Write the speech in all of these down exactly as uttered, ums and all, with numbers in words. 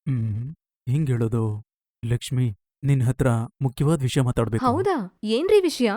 ಹ್ಮ್ ಹಿಂಗ್ ಹೇಳೋದು ಲಕ್ಷ್ಮಿ, ನಿನ್ ಹತ್ರ ಮುಖ್ಯವಾದ ವಿಷಯ ಮಾತಾಡ್ಬೇಕು. ಹೌದಾ? ಏನ್ರಿ ವಿಷಯ?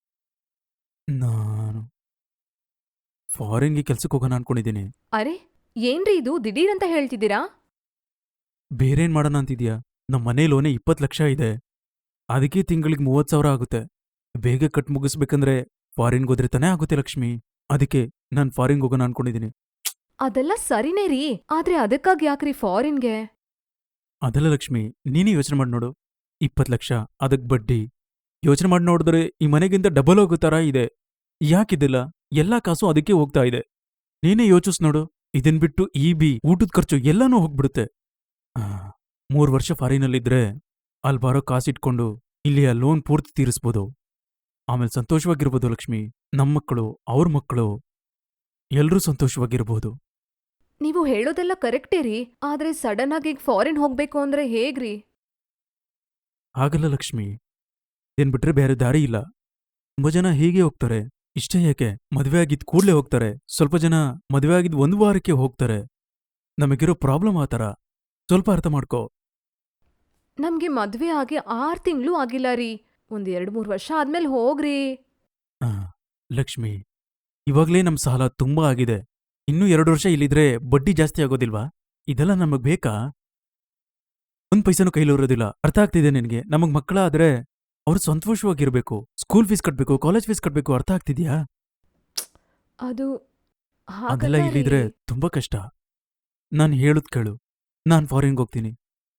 ನಾನು ಫಾರಿನ್ಗೆ ಕೆಲ್ಸಕ್ಕೆ ಹೋಗೋಣ ಅನ್ಕೊಂಡಿದ್ದೀನಿ. ಅರೆ, ಏನ್ರಿ ಇದು ದಿಢೀರಂತ ಹೇಳ್ತಿದ್ದೀರಾ? ಬೇರೇನ್ ಮಾಡೋಣ ಅಂತಿದ್ಯಾ? ನಮ್ಮ ಮನೆ ಲೋನೇ ಇಪ್ಪತ್ತು ಲಕ್ಷ ಇದೆ. ಅದಕ್ಕೆ ತಿಂಗಳಿಗೆ ಮೂವತ್ತು ಸಾವಿರ ಆಗುತ್ತೆ. ಬೇಗ ಕಟ್ ಮುಗಿಸ್ಬೇಕಂದ್ರೆ ಫಾರಿನ್ಗೆ ಹೋದ್ರೆ ತಾನೇ ಆಗುತ್ತೆ ಲಕ್ಷ್ಮಿ. ಅದಕ್ಕೆ ನಾನು ಫಾರಿನ್ಗೆ ಹೋಗೋಣ ಅನ್ಕೊಂಡಿದ್ದೀನಿ. ಅದೆಲ್ಲ ಸರಿನೇ ರೀ, ಆದ್ರೆ ಅದಕ್ಕಾಗ್ ಯಾಕ್ರಿ ಫಾರಿನ್ಗೆ? ಅದಲ್ಲ ಲಕ್ಷ್ಮಿ, ನೀನೇ ಯೋಚನೆ ಮಾಡಿ ನೋಡು. ಇಪ್ಪತ್ತು ಲಕ್ಷ, ಅದಕ್ ಬಡ್ಡಿ. ಯೋಚನೆ ಮಾಡಿ ನೋಡಿದ್ರೆ ಈ ಮನೆಗಿಂತ ಡಬಲ್ ಹೋಗೋ ಥರ ಇದೆ. ಯಾಕಿದಿಲ್ಲ? ಎಲ್ಲಾ ಕಾಸು ಅದಕ್ಕೆ ಹೋಗ್ತಾ ಇದೆ. ನೀನೇ ಯೋಚಿಸ್ ನೋಡು. ಇದನ್ ಬಿಟ್ಟು ಇ ಬಿ, ಊಟದ ಖರ್ಚು ಎಲ್ಲನೂ ಹೋಗ್ಬಿಡುತ್ತೆ. ಆ, ಮೂರ್ ವರ್ಷ ಫಾರಿನಲ್ಲಿದ್ರೆ ಅಲ್ಲಿ ಬರೋ ಕಾಸಿಟ್ಕೊಂಡು ಇಲ್ಲಿ ಆ ಲೋನ್ ಪೂರ್ತಿ ತೀರಿಸ್ಬೋದು. ಆಮೇಲೆ ಸಂತೋಷವಾಗಿರ್ಬೋದು ಲಕ್ಷ್ಮಿ. ನಮ್ಮ ಮಕ್ಕಳು, ಅವ್ರ ಮಕ್ಕಳು ಎಲ್ರೂ ಸಂತೋಷವಾಗಿರ್ಬೋದು. ನೀವು ಹೇಳೋದೆಲ್ಲ ಕರೆಕ್ಟೇ ರೀ, ಆದ್ರೆ ಸಡನ್ ಆಗಿ ಈಗ ಫಾರಿನ್ ಹೋಗ್ಬೇಕು ಅಂದ್ರೆ ಹೇಗ್ರಿ? ಹಾಗಲ್ಲ ಲಕ್ಷ್ಮಿ, ಇದೇನ್ ಬಿಟ್ರೆ ಬೇರೆ ದಾರಿ ಇಲ್ಲ. ತುಂಬಾ ಜನ ಹೀಗೆ ಹೋಗ್ತಾರೆ. ಇಷ್ಟೇ ಯಾಕೆ, ಮದ್ವೆ ಆಗಿದ್ ಕೂಡ್ಲೇ ಹೋಗ್ತಾರೆ. ಸ್ವಲ್ಪ ಜನ ಮದ್ವೆ ಆಗಿದ್ ಒಂದ್ ವಾರಕ್ಕೆ ಹೋಗ್ತಾರೆ. ನಮಗಿರೋ ಪ್ರಾಬ್ಲಮ್ ಆ ಥರ. ಸ್ವಲ್ಪ ಅರ್ಥ ಮಾಡ್ಕೋ. ನಮ್ಗೆ ಮದ್ವೆ ಆಗಿ ಆರ್ ತಿಂಗ್ಳೂ ಆಗಿಲ್ಲ ರೀ. ಒಂದ್ ಎರಡ್ ಮೂರ್ ವರ್ಷ ಆದ್ಮೇಲ್ ಹೋಗ್ರಿ. ಆ, ಲಕ್ಷ್ಮಿ, ಇವಾಗ್ಲೇ ನಮ್ ಸಾಲ ತುಂಬಾ ಆಗಿದೆ. ಇನ್ನೂ ಎರಡು ವರ್ಷ ಇಲ್ಲಿದ್ರೆ ಬಡ್ಡಿ ಜಾಸ್ತಿ ಆಗೋದಿಲ್ವಾ? ಇದೆಲ್ಲ ನಮಗ್ ಬೇಕಾ? ಒಂದ್ ಪೈಸನೂ ಕೈಲಿರೋದಿಲ್ಲ. ಅರ್ಥ ಆಗ್ತಿದೆ ನಿನ್ಗೆ? ನಮಗ್ ಮಕ್ಕಳ ಆದ್ರೆ ಅವ್ರು ಸಂತೋಷವಾಗಿರ್ಬೇಕು. ಸ್ಕೂಲ್ ಫೀಸ್ ಕಟ್ಬೇಕು, ಕಾಲೇಜ್ ಫೀಸ್ ಕಟ್ಬೇಕು. ಅರ್ಥ ಆಗ್ತಿದ್ಯಾ? ಅದು ಅದೆಲ್ಲ ಹಾಗಲ್ಲ ರೀ. ಇಲ್ಲಿದ್ರೆ ತುಂಬಾ ಕಷ್ಟ. ನಾನ್ ಹೇಳುದ್ ಕೇಳು. ನಾನ್ ಫಾರಿನ್ಗೆ ಹೋಗ್ತೀನಿ.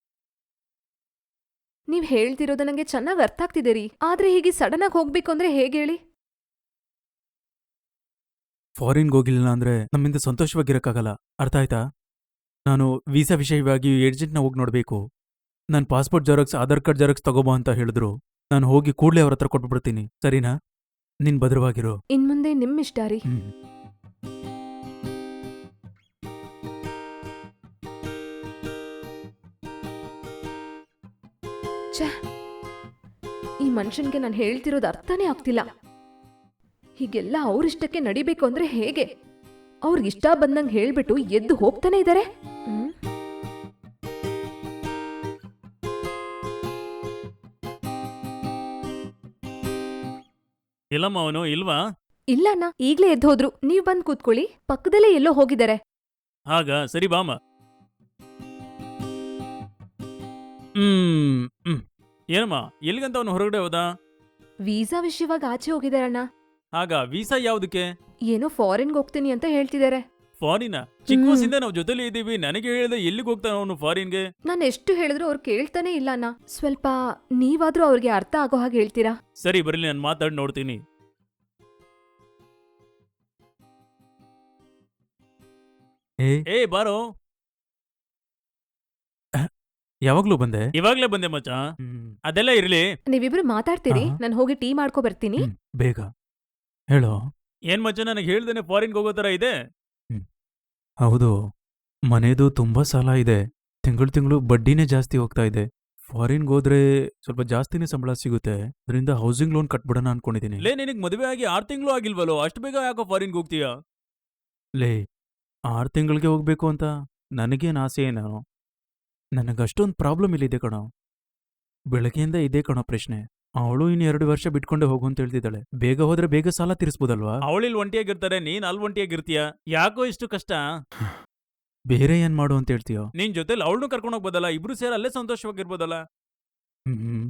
ನೀವ್ ಹೇಳ್ತಿರೋದು ನಂಗೆ ಚೆನ್ನಾಗ್ ಅರ್ಥ ಆಗ್ತಿದೆ ರೀ, ಆದ್ರೆ ಹೀಗೆ ಸಡನ್ ಆಗಿ ಹೋಗ್ಬೇಕು ಅಂದ್ರೆ ಹೇಗೇಳಿ? ಫಾರಿನ್ಗೆ ಹೋಗಿಲ್ಲ ಅಂದ್ರೆ ನಮ್ಮಿಂದ ಸಂತೋಷವಾಗಿರಕ್ಕಾಗಲ್ಲ. ಅರ್ಥ ಆಯ್ತಾ? ನಾನು ವೀಸಾ ವಿಷಯವಾಗಿ ಏಜೆಂಟ್ನ ಹೋಗಿ ನೋಡ್ಬೇಕು. ನನ್ passport xerox, Aadhaar card xerox ತಗೋಬಾ ಅಂತ ಹೇಳಿದ್ರು. ನಾನು ಹೋಗಿ ಕೂಡ್ಲೇ ಅವ್ರ ಹತ್ರ ಕೊಟ್ಬಿಡ್ತೀನಿ. ಸರಿನಾ? ನೀನ್ ಭದ್ರವಾಗಿರು. ಇನ್ಮುಂದೆ ನಿಮ್ಮಿಷ್ಟ ರೀ. ಹ್ಮ್. ಛೇ, ಈ ಮನುಷ್ಯನ್ಗೆ ನಾನು ಹೇಳ್ತಿರೋದು ಅರ್ಥನೇ ಆಗ್ತಿಲ್ಲ. ಹೀಗೆಲ್ಲ ಅವ್ರಿಷ್ಟಕ್ಕೆ ನಡಿಬೇಕು ಅಂದ್ರೆ ಹೇಗೆ? ಅವ್ರಿಗಿಷ್ಟ ಬಂದಂಗ್ ಹೇಳ್ಬಿಟ್ಟು ಎದ್ದು ಹೋಗ್ತಾನೆ ಇದಾರೆ. ಹ್ಮ್ ಇಲ್ಲಮ್ಮ, ಅವನು ಇಲ್ವಾ? ಇಲ್ಲ ಅಣ್ಣ, ಈಗ್ಲೇ ಎದ್ದು ಹೋದ್ರು. ನೀವ್ ಬಂದ್ ಕೂತ್ಕೊಳ್ಳಿ, ಪಕ್ಕದಲ್ಲೇ ಎಲ್ಲೋ ಹೋಗಿದ್ದಾರೆ. ಆಗ ಸರಿ ಬಾಮ. ಹ್ಮ್ ಹ್ಮ್. ಏನಮ್ಮ, ಎಲ್ಲಿಗಂತ ಅವನು ಹೊರಗಡೆ ಹೋದ? ವೀಸಾ ವಿಷಯವಾಗಿ ಆಚೆ ಹೋಗಿದಾರಣ್ಣ. ಆಗ ವೀಸಾ ಯಾವ್ದಕ್ಕೆ? ಏನೋ ಫಾರಿನ್ಗೆ ಹೋಗ್ತೀನಿ ಅಂತ ಹೇಳ್ತಿದ್ದಾರೆ. ಫಾರಿನ? ಚಿಕ್ಕ ವಯಸ್ಸಿಂದ ನಾವು ಜೊತೆಲಿ ಇದ್ದೀವಿ. ನನಗೆ ಹೇಳಿದ ಎಲ್ಲಿಗೆ ಹೋಗ್ತಾನ ಅವನು ಫಾರಿನ್ಗೆ? ನಾನು ಎಷ್ಟು ಹೇಳಿದ್ರು ಅವ್ರು ಕೇಳ್ತಾನೆ ಇಲ್ಲ ಅಣ್ಣ. ಸ್ವಲ್ಪ ನೀವಾದ್ರೂ ಅವ್ರಿಗೆ ಅರ್ಥ ಆಗೋ ಹಾಗೆ ಹೇಳ್ತೀರಾ? ಸರಿ, ಬರಲಿ, ನಾನು ಮಾತಾಡಿ ನೋಡ್ತೀನಿ. ಏ ಬಾರೋ. ಯಾವಾಗ್ಲೂ ಬಂದೆ? ಇವಾಗ್ಲೇ ಬಂದೆ ಮಚ್ಚ. ಅದೆಲ್ಲ ಇರ್ಲಿ. ನೀವಿಬ್ರು ಮಾತಾಡ್ತೀರಿ, ಆಹಾ. ನಾನು ಹೋಗಿ ಟೀ ಮಾಡ್ಕೊ ಬರ್ತೀನಿ. ಹ್ಮ್, ಬೇಗ ಹೇಳೋ. ಏನ್ ಮಚ್ಚ, ನನಗೆ ಹೇಳ್ದೇನೆ ಫಾರಿನ್ಗೆ ಹೋಗೋ ತರ ಇದೆ? ಹೌದು, ಮನೆದು ತುಂಬಾ ಸಾಲ ಇದೆ. ತಿಂಗಳು ತಿಂಗಳು ಬಡ್ಡಿನೇ ಜಾಸ್ತಿ ಹೋಗ್ತಾ ಇದೆ. ಫಾರಿನ್ಗೆ ಹೋದ್ರೆ ಸ್ವಲ್ಪ ಜಾಸ್ತಿನೇ ಸಂಬಳ ಸಿಗುತ್ತೆ. ಅದರಿಂದ ಹೌಸಿಂಗ್ ಲೋನ್ ಕಟ್ಬಿಡೋಣ ಅನ್ಕೊಂಡಿದ್ದೀನಿ. ಲೇ, ನಿನಗ್ ಮದುವೆ ಆಗಿ ಆರ್ ತಿಂಗಳು ಆಗಿಲ್ವಲ್ಲೋ, ಅಷ್ಟು ಬೇಗ ಯಾಕೋ ಫಾರಿನ್ಗೆ ಹೋಗ್ತೀಯಾ? ಲೇ, ಆರ್ ತಿಂಗಳಿಗೆ ಹೋಗ್ಬೇಕು ಅಂತ ನನಗೇನ್ ಆಸೆ ಏನೋ. ನನಗಷ್ಟೊಂದು ಪ್ರಾಬ್ಲಮ್ ಇಲ್ಲಿದೆ ಕಣೋ. ಬೆಳಗ್ಗೆಯಿಂದ ಇದೇ ಕಣೋ ಪ್ರಶ್ನೆ. ಅವಳು ಇನ್ನು ಎರಡು ವರ್ಷ ಬಿಟ್ಕೊಂಡೆ ಹೋಗು ಅಂತ ಹೇಳ್ತಿದ್ದಾಳೆ. ಬೇಗ ಹೋದ್ರೆ ಬೇಗ ಸಾಲ ತೀರಿಸ್ಬೋದಲ್ವಾ? ಅವಳಿಲ್ ಒಂಟಿಯಾಗಿರ್ತಾರೆ, ನೀನ್ ಅಲ್ಲಿ ಒಂಟಿಯಾಗಿರ್ತೀಯ. ಯಾಕೋ ಇಷ್ಟು ಕಷ್ಟ? ಬೇರೆ ಏನ್ ಮಾಡು ಅಂತ ಹೇಳ್ತೀಯೋ? ನಿನ್ ಜೊತೆಲಿ ಅವಳನ್ನು ಕರ್ಕೊಂಡು ಹೋಗ್ಬೋದಲ್ಲ, ಇಬ್ರು ಸೇರಿ ಅಲ್ಲೇ ಸಂತೋಷವಾಗಿರ್ಬೋದಲ್ಲ. ಹ್ಮ್,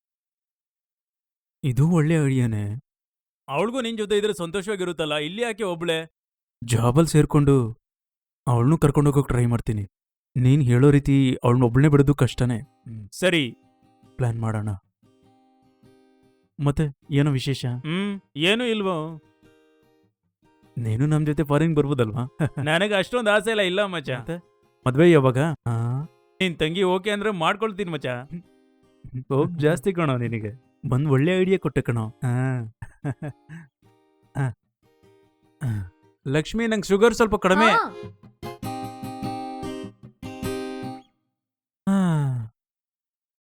ಇದು ಒಳ್ಳೆ ಐಡಿಯಾನೆ. ಅವಳಿಗೂ ನಿನ್ ಜೊತೆ ಇದ್ರೆ ಸಂತೋಷವಾಗಿರುತ್ತಲ್ಲ, ಇಲ್ಲಿ ಯಾಕೆ ಒಬ್ಳೆ? ಜಾಬಲ್ ಸೇರ್ಕೊಂಡು ಅವಳನ್ನು ಕರ್ಕೊಂಡು ಹೋಗೋಕೆ ಟ್ರೈ ಮಾಡ್ತೀನಿ. ನೀನ್ ಹೇಳೋ ರೀತಿ ಅವಳನ್ನ ಒಬ್ಳನ್ನೇ ಬಿಡೋದು ಕಷ್ಟನೇ. ಸರಿ, ಪ್ಲಾನ್ ಮಾಡೋಣ. ಮತ್ತೆ ಏನೋ ವಿಶೇಷ? ಹ್ಮ್, ಏನೂ ಇಲ್ವೋ. ನೀನು ನಮ್ ಜೊತೆ ಫಾರಿನ್ ಬರ್ಬೋದಲ್ವಾ? ನನಗೆ ಅಷ್ಟೊಂದು ಆಸೆ ಇಲ್ಲ ಇಲ್ಲ ಮಚ್ಚ. ಮದ್ವೆ ಯಾವಾಗ? ನಿನ್ ತಂಗಿ ಓಕೆ ಅಂದ್ರೆ ಮಾಡ್ಕೊಳ್ತೀನಿ ಮಚ್ಚ. ಹೋಪ್ ಜಾಸ್ತಿ ಕಣೋ ನಿನಗೆ. ಬಂದ್ ಒಳ್ಳೆ ಐಡಿಯಾ ಕೊಟ್ಟೆ ಕಣೋ. ಲಕ್ಷ್ಮಿ, ನಂಗೆ ಶುಗರ್ ಸ್ವಲ್ಪ ಕಡಿಮೆ. ಹಾ.